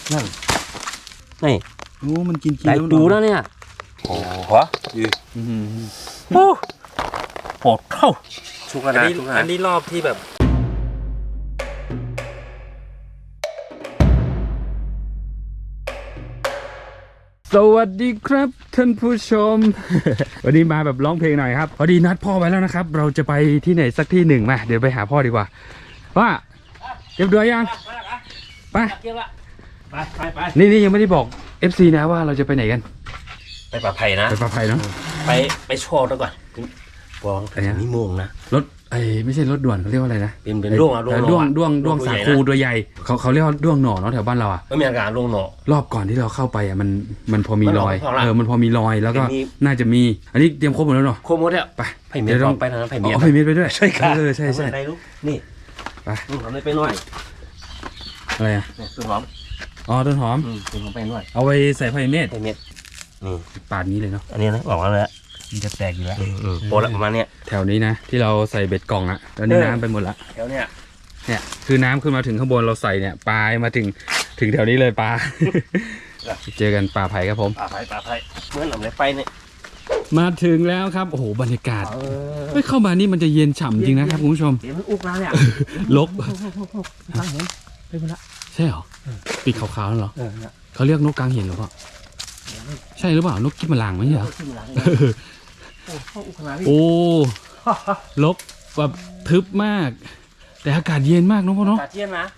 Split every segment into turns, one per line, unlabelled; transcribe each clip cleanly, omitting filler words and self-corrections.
นั่นนี่
โอ้มันกิน
หลายตูแล้วเนี่ยโอ้โหโอ้โหเข้าชุกแล้วนะอันนี้รอบที่แบบ
สวัสดีครับท่านผู้ชม วันนี้มาแบบร้องเพลงหน่อยครับพอดีนัดพ่อไว้แล้วนะครับเราจะไปที่ไหนสักที่หนึ่งมาเดี๋ยวไปหาพ่อดีกว่าว่าเก็บเดือยยังไปนี่ยังไม่ได้บอก FC นะว่าเราจะไปไหนกัน
ไปป่าไผ่นะ
ไปป่าไผ่เนาะ
ไปโชว์แล้วก่อนวองนี่โมงนะ
รถไม่ใช่รถด่วนเขาเรียกว่าอะไรนะ
เป็นด้วง
สาคูตัวใหญ่เขาเรียกว่าด้วงหน่อเนาะแถวบ้านเราอ่ะ
ไม่มีอาการด้วงหน่อ
รอบก่อนที่เราเข้าไปอ่ะมันพอมีรอยมันพอมีรอยแล้วก็น่าจะมีอันนี้เตรียมครบหมดแล้วเนาะ
ครบหมดแล้ว
ไป
ไผ่เมียต้องไปทางนั้นไผ่เมีย
ไผ่เมียไปด้วย
ใช่ครับ
ใช่
นี่
ไป
ทำได้ไปหน่อย
อะไรอ่ะ
ต้นหอม
ต้นหอม
ต้นหอมไปหน่อย
เอาไว้ใส่ไผ่เมีย
นี่
ปาดนี้เลยเนาะ
อันนี้นะบอกว่าเลย
มันจะแตกอยู่แล้ว
โปรละประมาณเนี้ย
แถวนี้นะที่เราใส่เบ็ดกล่องอะตอนนี้น้ำไปหมดละ
แถวเนี้ย
คือน้ำขึ้นมาถึงข้างบนเราใส่เนี่ยปลามาถึงแถวนี้เลยปลา เจอกันป่าไผ่ครับผม
ป่าไผ่เมื่อหลังเลยไปเนี่ย
มาถึงแล้วครับโอ้โหบรรยากาศไม่เข้ามานี่มันจะเย็นฉ่ำจริงนะครับคุณผู้ชม
เห็นมันอุกแล้วเนี่ย
ลก
เห็นไปหมดละ
ใช่เหรอปีกขาวๆนั่นเหรอเขาเรียกนกกลางเห็นหรือเปล่าใช่หรือเปล่านกกิ้มมะลางไหมเหรอโอ้ลกแบบทึบมากแต่อากาศเย็นมากน้องพ่อเนาะ
อากาศเย็นนะ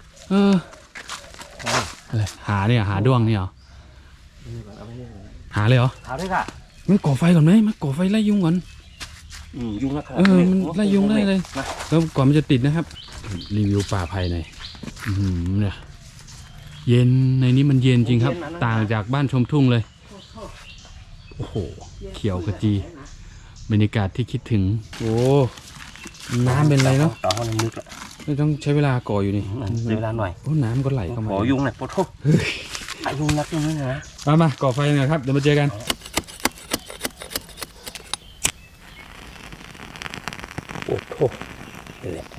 อะไรหาด้วงนี่เหรอหาเลยเหรอ
หาด้วยค่ะ
ไม่ก่อไฟก่อนไหมมาก่อไฟไล่ยุงก่อน
ยุงนะครับ
มันไล่ยุงได้เลยแล้วก่อนมันจะติดนะครับรีวิวป่าไผ่หน่อยเนี่ยเย็นในนี้มันเย็นจริงครับต่างจากบ้านชมทุ่งเลยโอ้โหเขียวขจีบรรยากาศที่คิดถึงโอ้น้ำเป็นไรเนาะ
ต่อห้องนึกละ
ไม่ต้องใช้เวลาก่ออยู่นี่
ใช้เวลาหน่อย
โอ้น้ำก็ไหลเข้ามา
ขอยุงหน่อยปวดท้องยุงนักยุงนี่นะ
มาก่อไฟหน่อยครับเดี๋ยวมาเจอกัน
โอ้โหนี่แหละ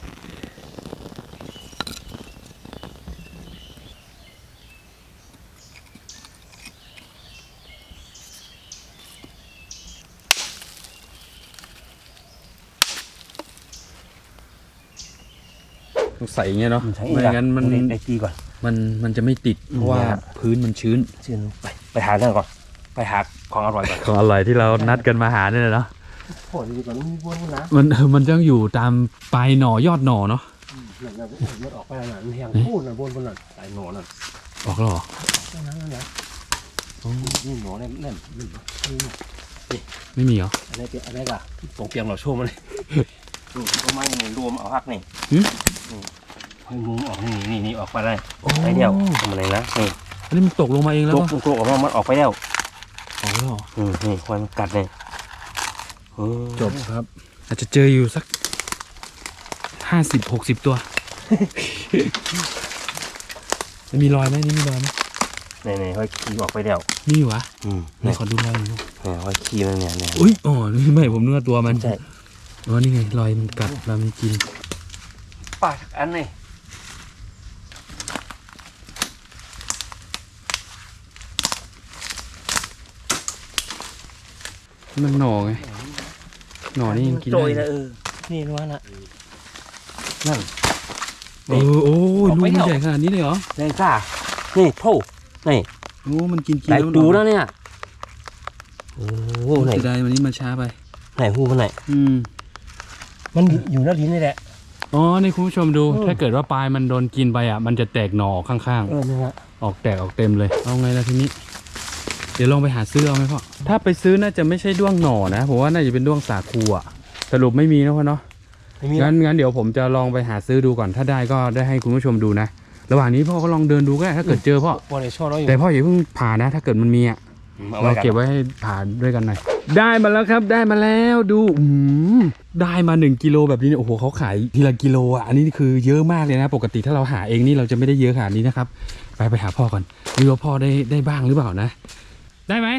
ใส่อย่างเงี้ยเนาะไม่งั้นมัน
ได้ตีก่อน
มันจะไม่ติดเพราะว่าพื้นมันชื้น
ไปหาเรื่องก่อนไปหาของอร่อยก่อน
ของอร่อยที่เรานัดกันมาหาเนี่ยเนาะ
โหดีก่อนมีวนนะ
มันต้องอยู่ตามปลายหน่อยอดหน่อเนาะ
มันออกไปหน่อยมันแห้งพูดหน่อยบนหน่อยปลายหน่อหน่อย
ออกแล้วเหรอ
นั่นนี่หน่อเนี่ย
ไม่มีเหรอ
อะไรกะตรงเตียงเราโชว์มาเลยก็ไม่รวมเอาพักนี่ให้มุ้งออกนี่ออกไปได้ไปเดียวทำอะไรนะนี่
อันนี้มันตกลงมาเองแล้ว
ตกออกมามันออกไปแล้ว
เหรอ
นี่ควันกัดเลย
จบครับอาจจะเจออยู่สัก50-60 ตัวมีรอยไหมนี่มีรอยไหม
นี่ค่อยขี่ออกไปแล้ว
นี่วะนี่ขอดูรอยหน่อย
ค่อยขี่มันเนี่ย
อุ้ยนี่ไม่ผมนึกว่าตัวมันใช่นี่ไงรอยมันกัดเราไม่กิน
ปากอันนี้
มันหน่อไงหน่อนี่ยังกินได้
นี่รู้นะนั่น
โอ้ลูกมันใหญ่ขนาดนี้เลยเหรอ
ใหญ่จ้านี่โถนี่
โอ้มันกิน
หลายตูแล้วเนี่ยโอ้ไหน
จะได้วันนี้มันช้าไป
ไหนหูมันไหนมันอยู่หน้าลิ้นนี่แหละ
นี่คุณผู้ชมดูถ้าเกิดว่าปลายมันโดนกินไปอ่ะมันจะแตกหน่อข้าง
ๆนี่ฮะ
ออกแตกออกเต็มเลยเอาไงล่ะทีนี้เดี๋ยวลองไปหาซื้อเอาไหมพ่อถ้าไปซื้อน่าจะไม่ใช่ด้วงหน่อนะผมว่าน่าจะเป็นด้วงสาคูอ่ะสรุปไม่มีนะพ่อเนาะงั้นเดี๋ยวผมจะลองไปหาซื้อดูก่อนถ้าได้ก็ได้ให้คุณผู้ชมดูนะระหว่างนี้พ่อก็ลองเดินดูก็ได้ถ้าเกิดเจอพ่อแต่พ่ออย่าเพิ่งผ่านะถ้าเกิดมันมีอ่ะเราเก็บไว้ให้ผ่าด้วยกันหน่อยได้มาแล้วครับได้มาแล้วดูได้มา1 กิโลแบบนี้โอ้โหเขาขายทีละกิโลอ่ะอันนี้คือเยอะมากเลยนะปกติถ้าเราหาเองนี่เราจะไม่ได้เยอะขนาดนี้นะครับไปหาพ่อก่อนดูว่าพ่อได้บ้างหรือเปล่านะได้ไหม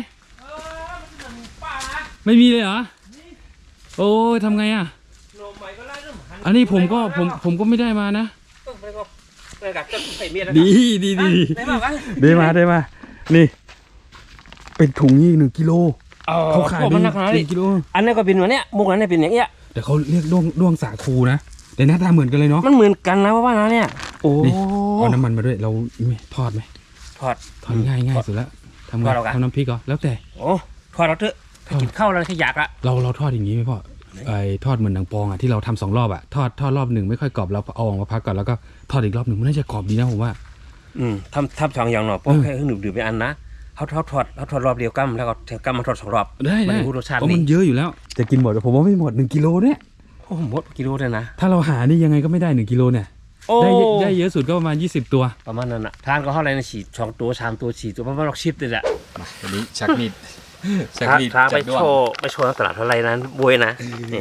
ไม่มีเลยเหรอโอ้ยทำไงอ่ะอันนี้ผมก็ไม่ได้มานะ
เออกับก็ใส่เมียแล้ว
ดี
ได้มากวะ
ได้มานี่ เป็นถุงนี่1 กิโลเขาขาย
มันนักขนาดนี้
1 กิโล
อันนี้ก็เป็นวันเนี้ยมุกนั้นเนี่ยเป็นอย่างเงี้ย
แต่เขาเรียกด้วงสาคูนะแต่หน้าตาเหมือนกันเลยเนาะ
มันเหมือนกันนะว่านะเนี่ยโอ้
นี่เอาน้ำมันมาด้วยเราทอดไหม
ทอด
ง่ายสุดแล้วทำไง
ทอดเอากัน
ทำน้ำพริกเหรอแล้วแต่
โอ้ทอดเราเถอะถ้ากินข้าวแล้วขยากอะ
เราทอดอย่างนี้ไหมพ่อไอ้ทอดเหมือนหนังปองอ่ะที่เราทำ2 รอบอ่ะทอดรอบหนึ่งไม่ค่อยกรอบเราเอาออกมาพักก่อนแล้วก็ทอดอีกรอบหนึ่งมันน่าจะกรอบดีนะผมว่า
ทำสองอย่างหน่อยเพราะแค่หนึ่งดื่มไปอันนะเขาทอดรอบเดียวกั้มแล้วก็กั้มมาทอด2 รอบ
ได้
มันรู้รสชาติ
เพราะ
ดี
มันเยอะอยู่แล้วจะกินหมดผมว่าไม่หมด1 กิโลเนี่ย
โอ้หมดกิโลเลยนะ
ถ้าเราหานี่ยังไงก็ไม่ได้1 กิโลเนี่ย
โอ้
ได้เยอะสุดก็ประมาณ20 ตัว
ประมาณนั้นอะทานก็เท่าไรนะ4 2 ตัว3 ตัว4 ตัวประมาณ6 10เลยแหละ
มาวันนี้ชักมีด
ทางไปโชว์ตลาดเท่าไรนั้นบวยนะนี่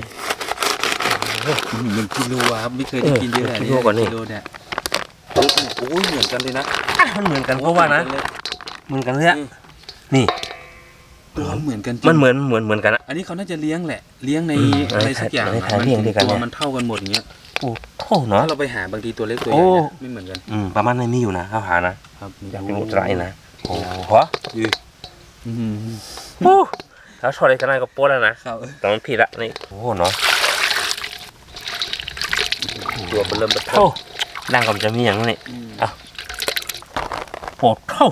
1 กิโลครับไม่เคยได้กินเยอะ
กิโลกว่านี่
กิโลเนี่ยโอ้ยเหมือนกันเลยนะ
มันเหมือนกันเพราะว่านะเหมือนกันเลยนี่
ตัวเหมือนกัน
มันเหมือนกันอะ
อันนี้เขาน่าจะเลี้ยงแหละเลี้ยงใน
อะไร
อะไรสักอย่าง
ในฐานเลี้ยงด้วยกัน
ตัว
เนี่ย
มันเท่ากันหมดอย่างเงี้ย
โอ้โหเนาะ
ถ้าเราไปหาบางทีตัวเล็กตัวให
โอ้
ญ่นะไม่เหมือนกัน
ประมาณนั้นมีอยู่นะข้าวหานะครับ อยากเป็นอุตรายนะโอ้โห
อืม
โอ้ถ้าชอบอะไรกันได้ก็โป๊ะแล้วนะครับ แต่มันผิดละนี่โอ้โหเนาะตัวมันเริ่มเท่าร่างก็มันจะมีอย่างนี้อ่ะโปดเท่า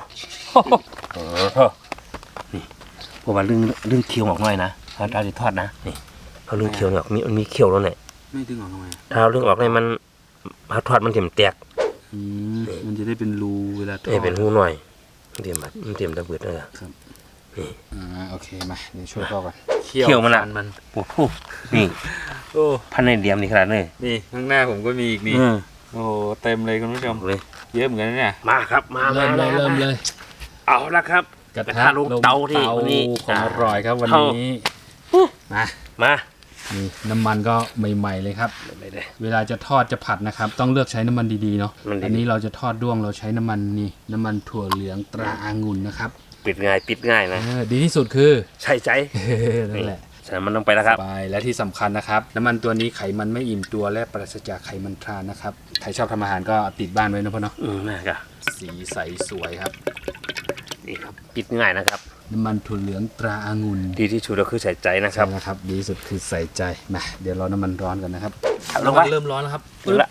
นี่พวกมันเรื่องเคี้ยวออกหน่อยนะถ้าเราจะทอดนะนี่เขาเรื่องเคี้ยวเนี่ยมันมีเคี้ยวแล้วเนี่ย
ไม่ดึงออกทำไม
ถ้าเอาเรื่องออกเนี่ยมันเขาทอดมันเต็มแตก
มันจะได้เป็นรูเวลาทอด
เป็นหูหน่อยมันเต็มแบบมันเต็มตะเบิดเลย
โอเคมาเดี๋ยวช่วยพ่อก่อน
เคี่ยวมันละโอ้โหนี่
โอ้
พันในเดียมนี่ขนาดนี้
นี่ข้างหน้าผมก็มีอีกนี่โอ้เต็มเลยคุณผู้ชม
เลย
เยอะเหมือนกันนะเนี่ย
มาครับมา
เริ่มเลย
เอาละครับ
กระ
ทะลงเตาที่วันนี้
ของอร่อยครับวันนี้มา นี่น้ำมันก็ใหม่ๆเลยครับ เวลาจะทอดจะผัดนะครับ ต้องเลือกใช้น้ำมันดีๆเนาะอันนี้เราจะทอดด้วงเราใช้น้ำมันนี่น้ำมันถั่วเหลืองตราองุ่นนะครับ
ปิดง่ายนะ
ดีที่สุดคือ
ใช่ใจ
นั่นแหละ
ใส่มันลงไปแล้วครับ
ไปและที่สำคัญนะครับ น้ำมันตัวนี้ไขมันไม่อิ่มตัวและปราศจากไขมันทรานนะครับใครชอบทำอาหารก็ติดบ้านไว้นะพ่อเนาะ
นะครับ
สีใสสวยครับ
นี่ครับปิดง่ายนะครับ
น้ำมันถั่วเหลืองตราองุ่น
ดีที่สุดก็คือใส่ใจนะค
ใช่
รับ
แล้วครับดีที่สุดคือใส่ใจมาเดี๋ยวรอน้ำมันร้อนกันนะครับ
ลงไป
เริ่มร้อนแล้วครับ
ถึงละ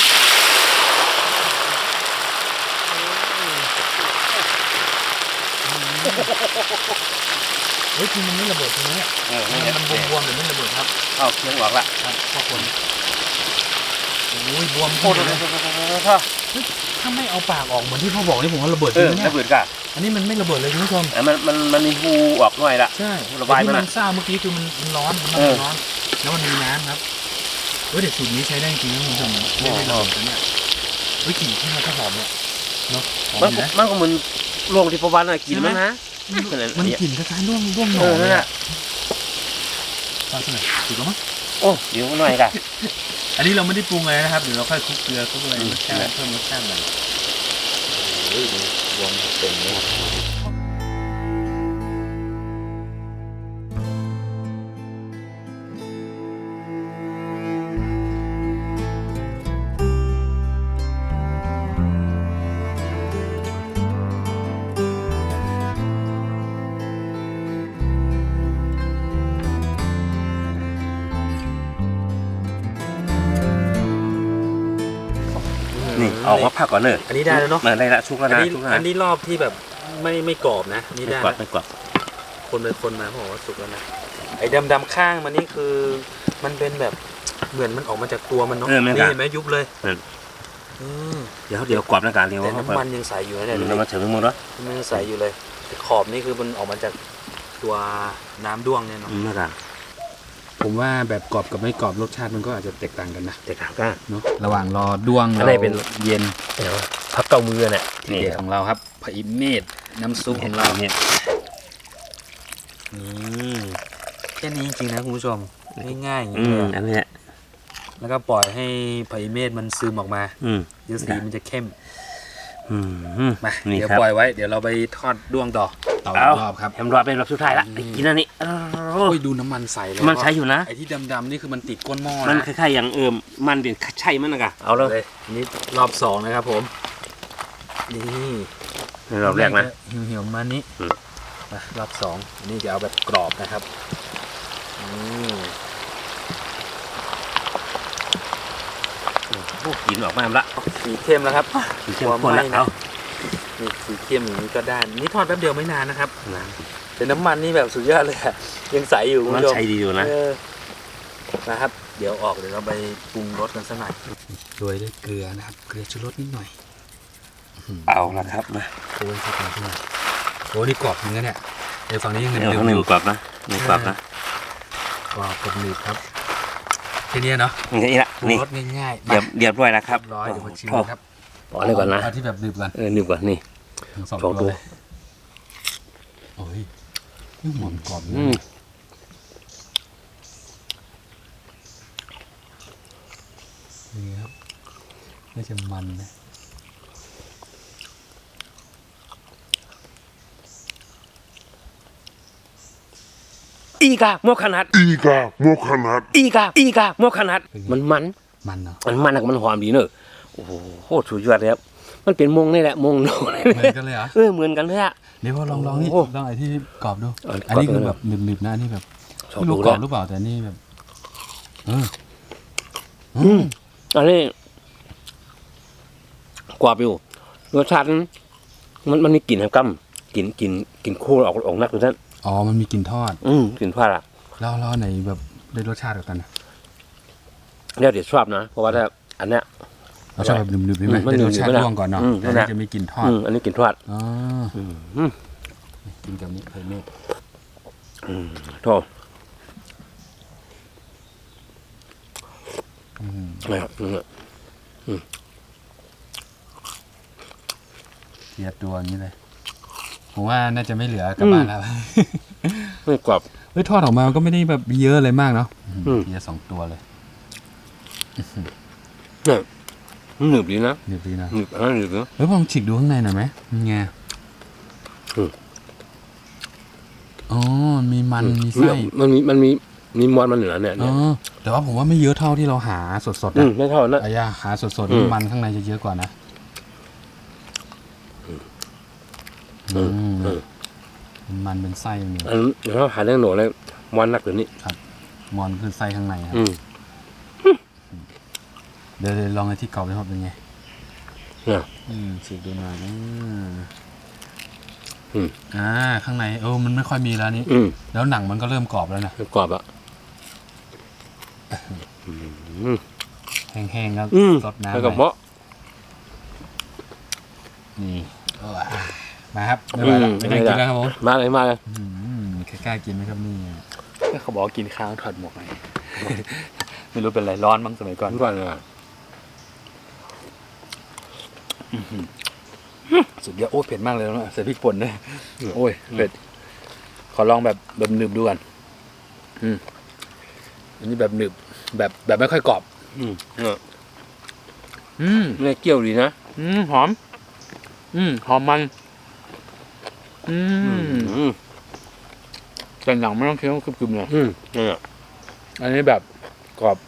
เฮ้ยคือมันไม่ระเบิดตรงนี้เนี่ยมันบวมๆแต่ไม่ระเบิดครับ
เอาเครื่องออกละ
ครับพ่อคนโอ้ยบวม
โอ้โห
ถ้าไม่เอาปากออกเหมือนที่พ่อบอกนี่ผมว่าระเบิดจริงนะเนี่ย
ระเบิดก่ะ
อันนี้มันไม่ระเบิดเลยคุณผู้ชม
มันมีหูออกหน่อยละ
ใช่
ระบาย
แต่ที่
มัน
มันซ่าเมื่อกี้คือมันร้อนมันร้อนแล้วมันมีน้ำครับเฮ้ยเด็กสูตรนี้ใช้ได้จริงนะคุณผู้ชมไม่ระเบิดกันเนี่ยเฮ้ยกลิ่นที่มันก็หอมเนี่ยเนาะหอมนะ
มันก็เหมือนโรงที่ประวันกินมันนะ
มันกลิ่นคล้ายๆร่วงหนอนเลยอ่ะฟังสักหน่อยถูกแล้วมั้ง
โอ้เดี๋ยวหน่อยก่ะ
อันนี้เราไม่ได้ปรุงเลยนะครับเดี๋ยวเราค่อยคลุกเกลือคลุกอะไรรสชาติเพิ่มรสชาติหน่อยโอ้ยรวมเต็มเลย
นี่ออกมาพักก่อนเนอะ
อันนี้ได้แล้วเนาะ
ได้ละชุกแล้วนะชุกแล้ว
อันนี้รอบที่แบบไม่กรอบนะนี่
ไม่
ได้
กดไม่กด
คนไปคนมาบอกว่าสุกแล้วนะไอ้ดำๆข้างมันนี่คือมันเป็นแบบเหมือนมันออกมาจากตัวมันเนาะนี่เห็นไหมยุบเลย
เดี๋ยวกรอบนะการเรียว
แต่น้ำมันยังใสอยู่นะเนี่ย
น้ำมันถึงมือแล้ว
มันยังใสอยู่เลยแต่ขอบนี่คือมันออกมาจากตัวน้ำด้วงเนี่ยเนาะ
นะการ
ผมว่าแบบกรอบกับไม่กรอบรสชาติมันก็อาจจะแตกต่างกันนะ
เด็กถามกัน
เนาะระหว่างรอด้วง
อันไหนเป็น
เย็น
เดี๋ยวพับเก้ามือเนี่ย
ที่เด็ดของเราครับผักอิเมดน้ำซุปของเรา
เนี่ย
แค่นี้จริงๆนะคุณผู้ชมง่ายๆอย่างนี้เลย
อันนี้
แล้วก็ปล่อยให้ผักอิเมดมันซึมออกมาเดี๋ยวสีมันจะเข้มมาเดี๋ยวปล่อยไว้เดี๋ยวเราไปทอดด้วงต่อเตาอีกรอบครับ
แฮมรอเป็นรอบสุดท้ายละกินอันนี้
โอ้ยดูน้ำมันใสเลย
มันใช้อยู่นะ
ไอ้ที่ดำๆนี่คือมันติดก้นหม้อ
มัน
นะ
คล้ายๆอย่างมันเด่นใช่มันนะกะเอาเลย
นี่รอบสองนะครับผมนี่
รอบแรกนะ
เหี่ยวๆมานี้
อืม
รอบสองอันนี้จะเอาแบบกรอบนะครับ
กินออกมาละ
สีเข้มแล้วครับ
สีเข้มข้นละเอา
นี่สีเข้มอย่างนี้ก็ได้นี่ทอดแป๊บเดียวไม่นานนะครับ
นะ
แต่น้ำมันนี่แบบสุดยอดเลยอะยังใสอยู่คุณ
มัน
ผู้ชม
ใช้ดีอยู่นะ
นะครับ เดี๋ยวเดี๋ยวเราไปปรุงรสกันสักหน่อยโรยด้วยเกลือนะครับเกลือชูรสนิดหน่อย
เอาละครับมา
โอ้ยสักหน่อยขึ้นมาโอ้นี่กรอบจริงนะเนี่ยเดี๋ยวฝั่งนี้ยังหนึบ
เดี๋ยวข้างหนึ่งกรอบนะหนึ่งกรอบนะ
กรอบกับหนึบครับแค่นี้เนาะ
นี่ละ
ปรุง
นี่
รสง่ายๆ
เรียบร้อยแล้วครับ
ร้อยเดี๋ยวมาชิมครับ
อ๋อเลยก่อนนะ
เอาที่แบบหนึบก่อน
หนึ่งก่อนนี่
ทั้งสอง
สองตั
ตัว วเลยโอ้ยหอมกรอบอยู่
อืม
นี่ครับน่าจะมันนะ
อีกาโมขนาด
Iga Mokanat.
อีกาโมขนาดมันเนาะ
มัน
มันหอมดีเนอะโอ้โหโคตรสุดยอดเลยครับมันเป็นมงนี่แหละมงโน
เหมือนกันเลยเหรอ
เหมือนกันเลยอะ
เดี๋ยวพอลองนี่
โอ้
ลองไอ้ที่กรอบดู
เอา
อันนี้
กรอบ
คือ
ดู
แบบหนึบๆนะอันนี้แบบ
ชอบ
ไม่รู้
ดู
กร
แล้
อบ
ว
หรือเปล่าแต่นี่แบบ
อันนี้กว่าอยู่รสชาติมันมีกลิ่นแฮมกัมกลิ่นคู่ออกนักเลยท่าน
อ๋อมันมีกลิ่นทอด
กลิ่นพลาดอะ
แล้วไหนแบบได้รสชาติกว่ากันนะ
เดี๋ยวชอบนะเพราะว่าถ้าอันเนี้ย
เราชอบแบบหนึบๆใช่ไหม
มัน
ได้รสชาติ
หนึบๆ
ร่วงก่อนเนาะ
นั่
อัน
นแห
นี้
ละ
จะมีกลิ่นทอด
อันนี้กลิ่นทอด
อ๋อ
อืม
กินกับนี้ไข่เมฆ
โทษนะครับ
เทียบตัวอย่างนี้เลยผมว่าน่าจะไม่เหลือกลับบ้านแล้ว
ไม่กรอบ
เฮ้ยทอดออกมาก็ไม่ได้แบบเยอะอะไรมากเนาะ
อืม
เทียบ2 ตัวเลย
เนี่ยมันหนึบดีนะ
หนึบดีนะ
หนึบอันนั้นหนึบนะ
เฮ้ยลองฉีกดูข้างในหน่อยไหมมันไง
อืม
อ๋อมีมันมีไส้
มันมีมอนมันเหนือเนี่ย
อ๋อแต่ว่าผมว่าไม่เยอะเท่าที่เราหาสดๆนะ
ไม่เท่านั้น
อายาหาสดๆ
อื
นี่
ม
มันข้างในจะเยอะกว่านะ
อืม
มันเป็นไส้อย่างนี้
อันนี้เขาหาเรื่องหนูเลยมอนนักหรือนี่
มอนคือไส้ข้างในครับ เดี๋ยวลองไอ้ที่กรอบไปครับเป็นไง
เนี่ย
ฉีกดูหน่อย
อืม
ข้างในมันไม่ค่อยมีแล้วนี่ แล้วหนังมันก็เริ่มกรอบแล้วนะ
กรอบอ่ะ
แห้งๆแล้วสดน้ำ
แล้วก็
หน่อย
เมาะ
นี่มาครับไม่ไหวแล้วไม่ได้กินแล้วครับผม
มาเลย
กล้ากินไหมครับนี่เขาบอกกินข้าวถอดหมวกไปไม่รู้เป็นไรร้อนมั้งสมัยก่อน
ก่อนเลย
สุดยอดโอ้เผ็ดมากเลยนะใส่พริกป่นด้วยโอ้ยเผ็ดขอลองแบบหนึบดูก่อนอันนี้แบบหนึบแบบไม่ค่อยกรอบ
เนี่ยเกี่ยวดีนะ
หอมหอมมันแต่หนังไม่ต้องเคี้ยวกรึบๆเลย
เนี่ย
อันนี้แบบกรอบ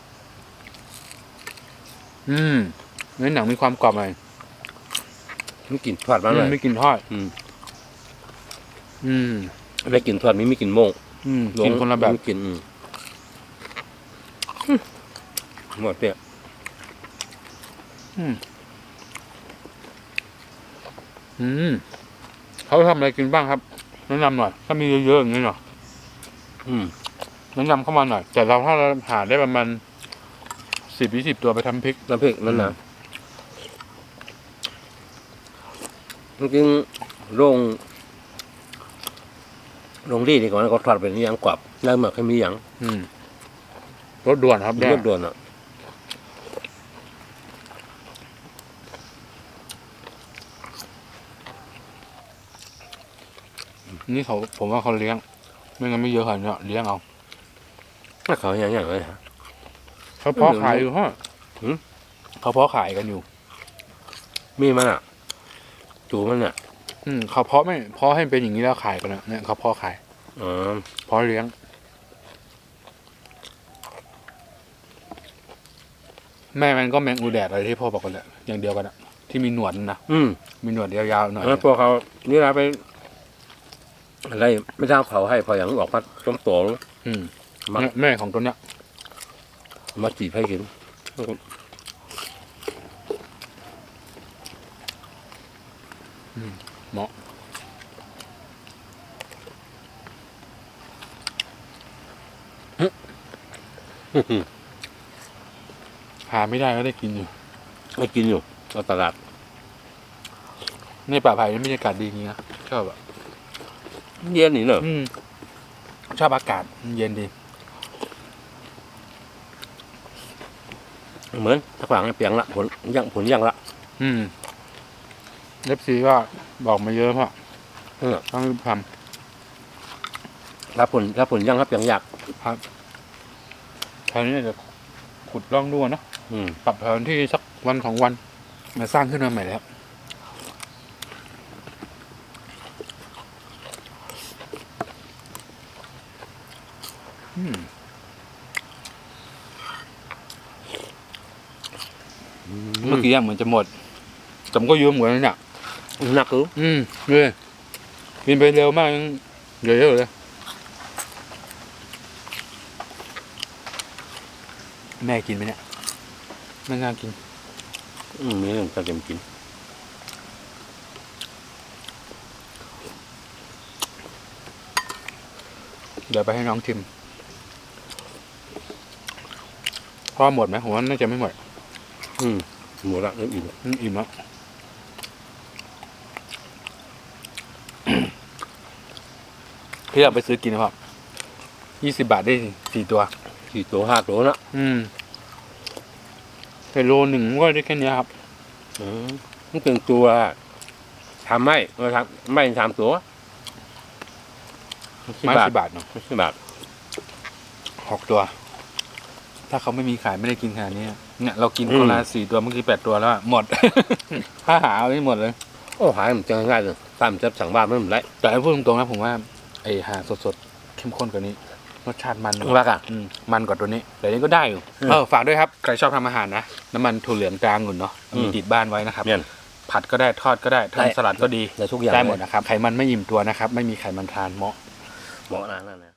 ในหนังมีความกรอบหน่อย
ไม่กลิ่นทอดมาเลย
ไม่กินทอด
ไม่กลิ่นทอดไม่กลิ่นโม่ง
กินคนละแบบ
ไม่กลิ่นหมดเนี่ย
เขาทำอะไรกินบ้างครับแนะนำหน่อยถ้ามีเยอะๆอย่างนี้หน่อยแนะนำเข้ามาหน่อยแต่ถ้าเราหาได้ประมาณ10-20 ตัวไปทำพริก
น้ำพริกนั่นนะจริงๆโรงดีดีกว่าก็ทอดเป็นอย่างกรอบแล้วหมักให้มีอย่าง
รสด่วนครับ
เลือดด่วนอ่ะ
นี่ผมว่าเขาเลี้ยงไม่งั้นไม่เยอะขนาดนี้เลี้ยงเอา
ถ้าเขาอย่างเลยฮะ
เขาเพาะขายอยู่ฮะเขาเพาะขายกันอยู่
มีมันอ่ะจูมันอ่ะ
เขาเพาะให้เป็นอย่างนี้แล้วขายกันนะเนี่ยเขาเพาะขายเพาะเลี้ยงแม่มันก็แมงอูแดดอะไรที่พ่อบอกกันแหละอย่างเดียวกันอะที่มีหนวดนะมีหนวดยาวๆหน่อย
แล้วพวกเขานี่นะไปอะไรไม่ทราบเขาให้พออย่างออกมาต้มโตแล้ว
แม่ของตัวเนี้ย
มาจีบให้กิน
เหมาะหาไม่ได้ก็ได้กินอยู่
ไม่กินอยู่เราตลาด
ในป่าไผ่นี่บรรยากาศดีจริงนะชอบอะ
เย็นนี่เนอะ
ชอบอากาศเย็นดี
เหมือนถ้าขวางเปียงละผลยังละ
เล็บซีก็บอกมาเยอะพ่อ ต้องรีบท
ถ้าผลยังครับเปียงยาก
ำครับคราวนี้จะขุดร่องดูเนาะปรับแผนที่สักวันของวันมาสร้างขึ้นมาใหม่แล้วเมื่อกี้เหมือนจะหมดแต่มันก็เยอะเหมือนกันเนี่ย
หนักคือ
เลยกินไปเร็วมากยังเยอะๆเลยแม่กินไหมเนี่ยแม่งานกิน
มีเรื่องจะเต็มกิน
เดี๋ยวไปให้น้องชิมพอหมดไหมผมว่าน่าจะไม่หมด
หมดละเริ่มอิ่ม
อิ่มแล้วพี่อยากไปซื้อกินนะครับ20 บาทได้4 ตัว
4 ตัว 5 ตัวนะ
แต่โลหนึ่งก็ได้แค่นี้ครับ
มันเป็นตัวทำไม่เราทำไม่3 ตัว
ไม้10 บาทเนาะ
10 บาท
6 ตัว ถ้าเขาไม่มีขายไม่ได้กินขนาดนี้เนี่ยเรากินคนละ4 ตัวเมื่อกี้8 ตัวแล้วหมด ถ้าหาเอาไม่หมดเลย
โอ้หายมันจะง่ายเลยตามจะสั่งบ้านไม่เหมือนไร
แต่พูดตรงๆนะผมว่าไอ้หาสดๆเข้มข้นกว่านี้รสชาติมัน
รักอ่ะ
มันกว่าตัวนี้แต่นี้ก็ได้อยู่ฝากด้วยครับใครชอบทำอาหารนะน้ำมันถั่วเหลืองกลางหุ่นเนาะมีติดบ้านไว้นะครับผัดก็ได้ทอดก็ได้ทำสลัดก็ดี
ได้ทุกอย่าง
ได้หมดนะครับไขมันไม่อิ่มตัวนะครับไม่มีไขมันทรานเหมาะ
นั่นนะ